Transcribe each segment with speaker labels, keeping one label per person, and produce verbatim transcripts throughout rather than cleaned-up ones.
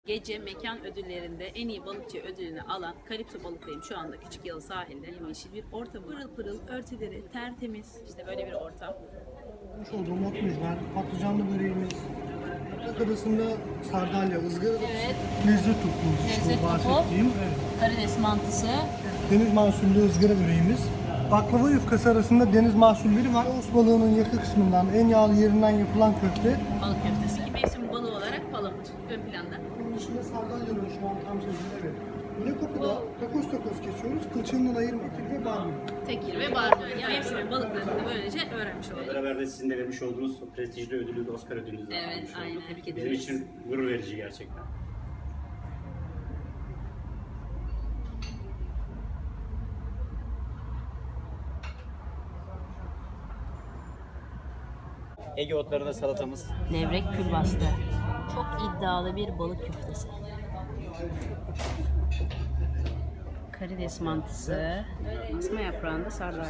Speaker 1: Gece mekan ödüllerinde en iyi balıkçı ödülünü alan Kalipso Balık'tayım şu anda Küçük Yalı sahilde. Yemyeşil bir ortam. Pırıl pırıl örtüleri tertemiz. İşte böyle bir ortam.
Speaker 2: Yapmış olduğum otumuz var. Patlıcanlı böreğimiz. Yaprak arasında sardalya, ızgara
Speaker 1: Evet.
Speaker 2: lezzet topumuz işte
Speaker 1: Lezzet
Speaker 2: o
Speaker 1: topu.
Speaker 2: bahsettiğim. Evet.
Speaker 1: Karides mantısı.
Speaker 2: Deniz mahsullü ızgara böreğimiz. Baklava yufkası arasında deniz mahsulleri var. Os balığının yakı kısmından, en yağlı yerinden yapılan köfte.
Speaker 1: Balık köftesi. Mevsim balığı olarak palamut ön planda.
Speaker 2: Bunun içinde sardalyanın şu an tam sezonu, evet. Yine kokuda takos takos kesiyoruz. Kılçığından ayırmak ve barbunya.
Speaker 1: Tekir ve barbunya. Yani mevsimin balıklarını da böylece öğrenmiş olduk.
Speaker 3: Beraber de sizin de vermiş olduğunuz prestijli ödülünüz, Oscar ödülünüzü de
Speaker 1: Evet,
Speaker 3: almış olduk.
Speaker 1: aynen. Tebrik
Speaker 3: Bizim
Speaker 1: ederiz.
Speaker 3: için gurur verici gerçekten. Ege otlarında salatamız.
Speaker 1: Levrek külbastı. Çok iddialı bir balık köftesi. Karides mantısı. Asma yaprağında sardalya.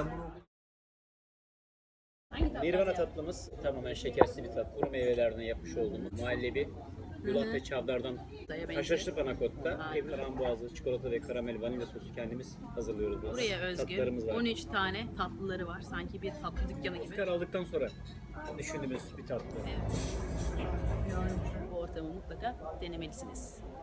Speaker 1: Hangi tatlı?
Speaker 3: Nirvana tatlımız tamamen şekersiz bir tat. Kuru meyvelerden yapmış olduğumuz muhallebi. Yulaf ve çavdardan haşhaşlı panakotta, ev frambuazlı, çikolata ve karamel vanilya sosu kendimiz hazırlıyoruz. Biraz.
Speaker 1: Buraya özgü
Speaker 3: Tatlılarımız var.
Speaker 1: on üç tane tatlıları var. Sanki bir tatlı dükkanı gibi.
Speaker 3: Oscar aldıktan sonra düşündüğümüz bir tatlı.
Speaker 1: Bu ortamı mutlaka denemelisiniz.